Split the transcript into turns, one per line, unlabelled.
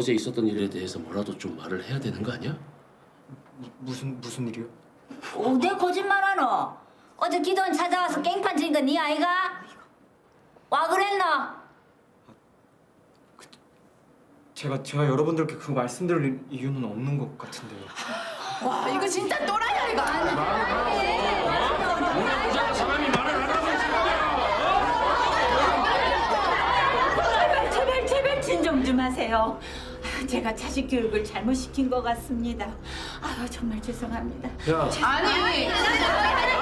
어제 있었던 일에 대해서 뭐라도 좀 말을 해야 되는 거 아니야?
무슨 일이요?
어디 거짓말하노? 어제 기돈 찾아와서 깽판 친 거 네 아이가? 와 그랬나?
제가 여러분들께 그거 말씀드릴 이유는 없는 것 같은데요.
와 이거 진짜 또라이야 이거.
사람이 말을 안 하고 있는
제발 진정 좀 하세요. 제가 자식 교육을 잘못 시킨 것 같습니다. 정말 죄송합니다.
야,
아니